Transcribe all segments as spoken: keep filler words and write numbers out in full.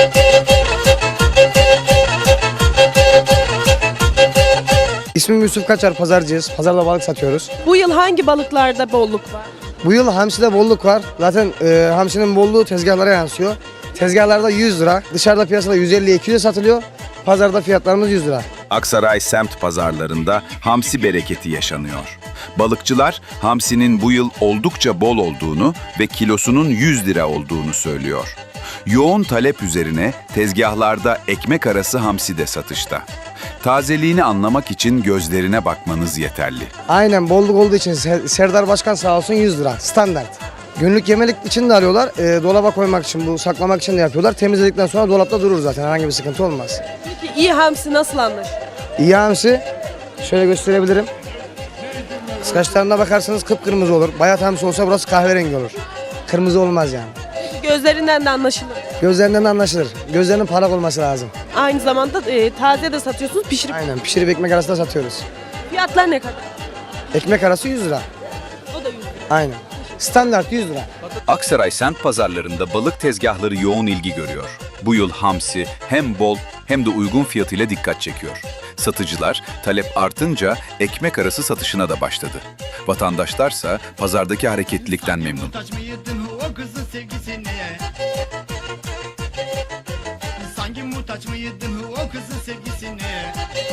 İsmim Yusuf Kaçar, pazarcıyız. Pazarda balık satıyoruz. Bu yıl hangi balıklarda bolluk var? Bu yıl hamside bolluk var. Zaten e, hamsinin bolluğu tezgahlara yansıyor. Tezgahlarda yüz lira, dışarıda piyasada yüz elliye iki yüze satılıyor. Pazarda fiyatlarımız yüz lira. Aksaray semt pazarlarında hamsi bereketi yaşanıyor. Balıkçılar hamsinin bu yıl oldukça bol olduğunu ve kilosunun yüz lira olduğunu söylüyor. Yoğun talep üzerine tezgahlarda ekmek arası hamsi de satışta. Tazeliğini anlamak için gözlerine bakmanız yeterli. Aynen, bolluk olduğu için Ser- Serdar Başkan sağ olsun yüz lira standart. Günlük yemelik için de alıyorlar. E, dolaba koymak için, bu saklamak için de yapıyorlar. Temizledikten sonra dolapta durur zaten, herhangi bir sıkıntı olmaz. Peki iyi hamsi nasıl anlaşılır? İyi hamsi şöyle gösterebilirim. Kıskaçlarına bakarsanız kıpkırmızı olur. Bayat hamsi olsa burası kahverengi olur. Kırmızı olmaz yani. Peki gözlerinden de anlaşılır. Gözlerinden de anlaşılır. Gözlerinin parlak olması lazım. Aynı zamanda e, taze de satıyorsunuz, pişirip. Aynen, pişirip ekmek arasında satıyoruz. Fiyatlar ne kadar? Ekmek arası yüz lira. O da yüz lira. Aynen. Standart yüz lira. Aksaray semt pazarlarında balık tezgahları yoğun ilgi görüyor. Bu yıl hamsi hem bol hem de uygun fiyatıyla dikkat çekiyor. Satıcılar talep artınca ekmek arası satışına da başladı. Vatandaşlarsa pazardaki hareketlilikten memnun. Muhtaç mıydın o kızın sevgisine? Sanki muhtaç mıydın o kızın sevgisine?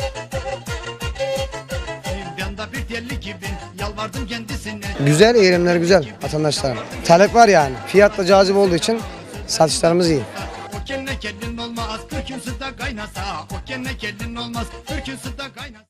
Ben de bir deli gibi yalvardım kendisine. Güzel, eğilimler güzel vatandaşlarım. Talep var yani. Fiyat da cazip olduğu için satışlarımız iyi. O kenne kendin olmaz, kırk gün suda kaynasa. O kenne kendin olmaz, kırk gün suda kaynasa.